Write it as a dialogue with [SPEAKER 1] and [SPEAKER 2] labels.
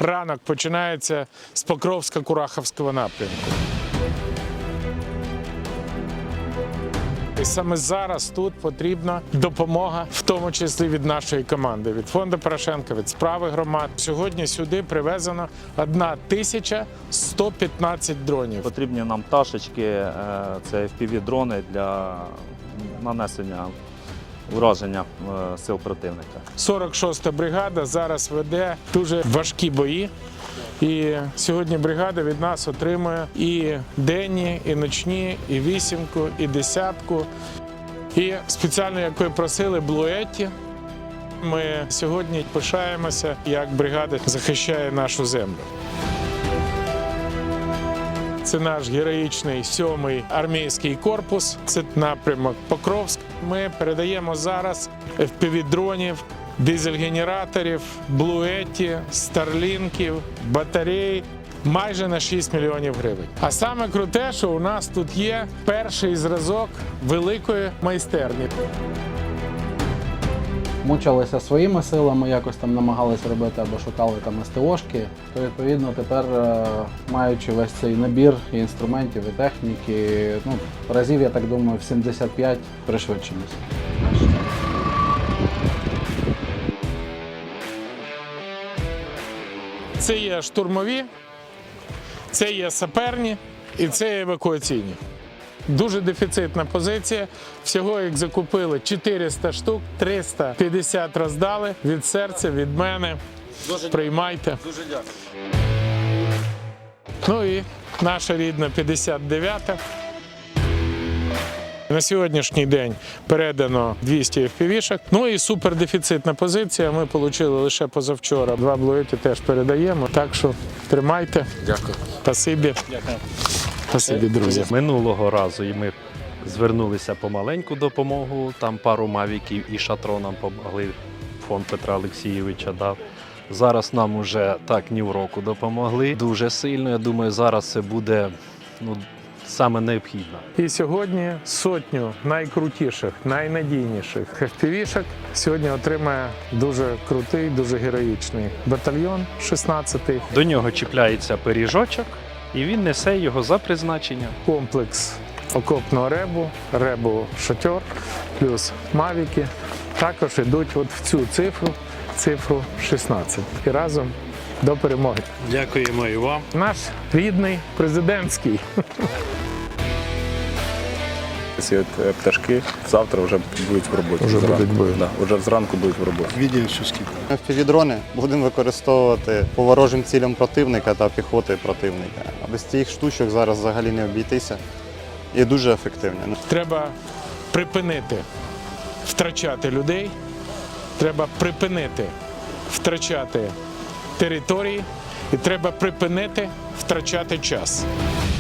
[SPEAKER 1] ранок починається з Покровсько-Курахівського напрямку. І саме зараз тут потрібна допомога, в тому числі від нашої команди, від фонду Порошенка, від справи громад. Сьогодні сюди привезено 1115 дронів.
[SPEAKER 2] Потрібні нам пташечки, це FPV-дрони для нанесення ураження сил противника.
[SPEAKER 1] 46-та бригада зараз веде дуже важкі бої. І сьогодні бригада від нас отримує і денні, і ночні, і вісімку, і десятку. І спеціально, як ви просили, блуетті. Ми сьогодні пишаємося, як бригада захищає нашу землю. Це наш героїчний 7-й армійський корпус, це напрямок Покровськ. Ми передаємо зараз FPV-дронів, дизель-генераторів, блуетті, старлінків, батарей майже на 6 мільйонів гривень. А саме круте, що у нас тут є перший зразок великої майстерні.
[SPEAKER 3] Мучилися своїми силами, якось там намагалися робити або шукали там СТОшки, то відповідно тепер, маючи весь цей набір і інструментів, і техніки, разів, я так думаю, в 75 пришвидшимося.
[SPEAKER 1] Це є штурмові, це є саперні і це є евакуаційні. Дуже дефіцитна позиція. Всього їх закупили 400 штук, 350 роздали. Від серця, від мене. Приймайте.
[SPEAKER 2] Дуже дякую.
[SPEAKER 1] Ну і наша рідна 59-та. На сьогоднішній день передано 200 FPV-шок. Ну і супердефіцитна позиція. Ми отримали лише позавчора. 2 блуеті теж передаємо. Так що тримайте.
[SPEAKER 2] Дякую.
[SPEAKER 1] Спасибі.
[SPEAKER 2] Дякую.
[SPEAKER 1] Спасибі, друзі.
[SPEAKER 4] Минулого разу і ми звернулися по маленьку допомогу, там пару мавіків і шатро нам допомогли, фонд Петра Олексійовича дав. Зараз нам уже так ні в року допомогли дуже сильно. Я думаю, зараз це буде саме необхідно.
[SPEAKER 1] І сьогодні сотню найкрутіших, найнадійніших FPV-шок сьогодні отримає дуже крутий, дуже героїчний батальйон 16-й.
[SPEAKER 4] До нього чіпляється пиріжочок і він несе його за призначенням.
[SPEAKER 1] Комплекс окопного ребу, ребу-шатер, плюс мавіки. Також йдуть от в цю цифру 16. І разом до перемоги.
[SPEAKER 4] Дякуємо і вам.
[SPEAKER 1] Наш рідний президентський.
[SPEAKER 5] Ці пташки завтра вже будуть в роботі.
[SPEAKER 1] Вже будуть в бою.
[SPEAKER 5] Да, вже зранку будуть в роботі.
[SPEAKER 6] FPV-дрони будемо використовувати по ворожим цілям противника та піхоти противника. А без цих штучок зараз взагалі не обійтися. І дуже ефективні.
[SPEAKER 1] Треба припинити втрачати людей, треба припинити втрачати території і треба припинити втрачати час.